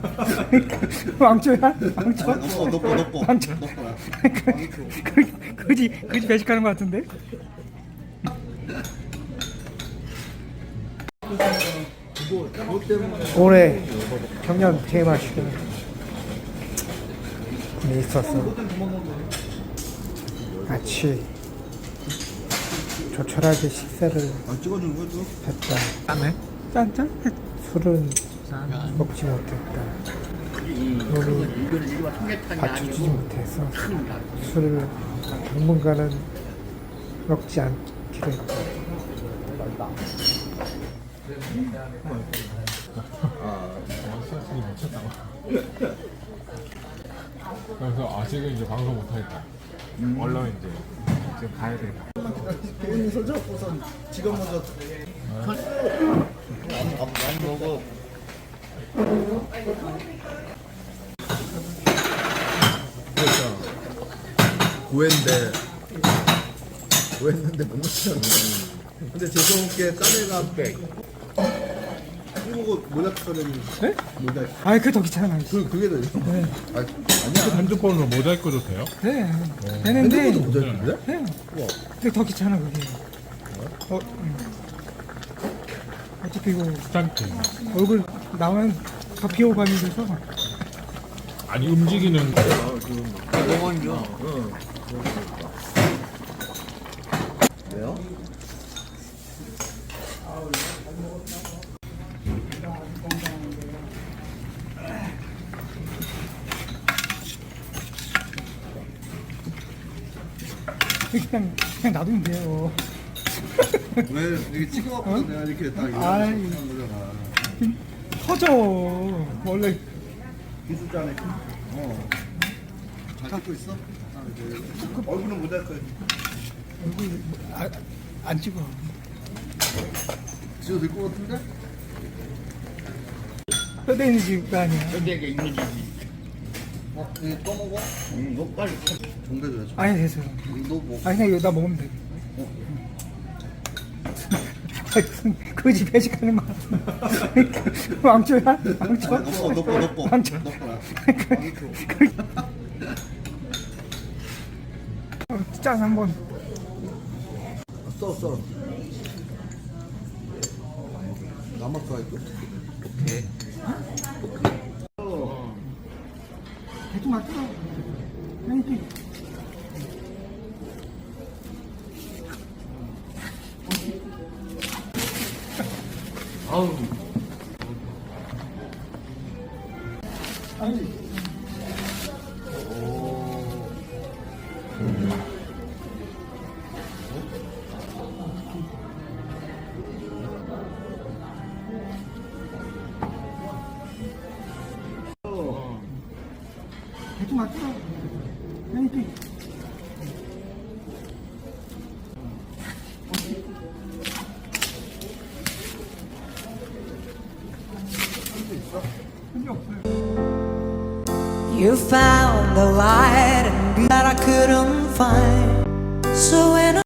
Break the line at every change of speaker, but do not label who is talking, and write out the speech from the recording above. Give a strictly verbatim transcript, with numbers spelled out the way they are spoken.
왕초야? 왕초?
넣고 넣고 넣고
왕초.
넣고
그지 그지 배식하는 것 같은데? 올해 경연 테마식은 있었어. 같이 조촐하게 식사를
아 찍어주는 거죠?
했다.
짠해?
짠짠? 술은 먹지 못했다. 몸이 받쳐주지 못해서 술을 당분간은 먹지 않기로 했다.
스트레스를 미쳤다고. 그래서 아직은 이제 방송 못하겠다. 얼른 이제 지금 가야 돼.
개인이 서잡고선 지금 먼저 안, 안, 안 먹어. 그렇죠. 구했는데 구했는데 못 넣잖아. 근데 죄송하게 딴 애가 이거 모자이크 처리는
네?
모자이크.
아이 그게 더 귀찮아.
그 그게 더
네.
아, 아니야.
핸드폰으로 모자이크도 돼요?
네. 되는데
핸드폰도 모자이크인데?
네.
우와.
근데 더 귀찮아 그게. 어, 음. 어차피 이거
귀찮게.
얼굴
나오면 더 비호감이 돼서
아니 움직이는
먹어요. 응. 왜요?
그냥 그냥 놔두면 돼요.
왜 이렇게 찍어갖고 내가 이렇게 딱 이렇게
아이.
하는 거잖아.
터져 원래.
기술자네. 어. 잘 찍고 있어? 아, 이제 얼굴은 모자이크.
얼굴 아, 안 찍어.
지도 될 것 같은데?
뼈대 있는 집가 아니야.
뼈대가 있는 집이.
어, 이거 또 먹어?
응, 너 빨리.
정배줘야지.
아니 됐어요.
너 뭐?
아니 그냥 이거 나 먹으면 돼.
어.
그지 배식하는 거. 왕초야? 왕초?
아, 넣고 넣고 넣고
왕초.
넣고.
어, 짠 한번.
써 써. 남았어 할게. 오케이.
대충 맞춰. 이렇게.
아우.
아니. 대충 맞춰. 이렇게.
You found the light and that I couldn't find. So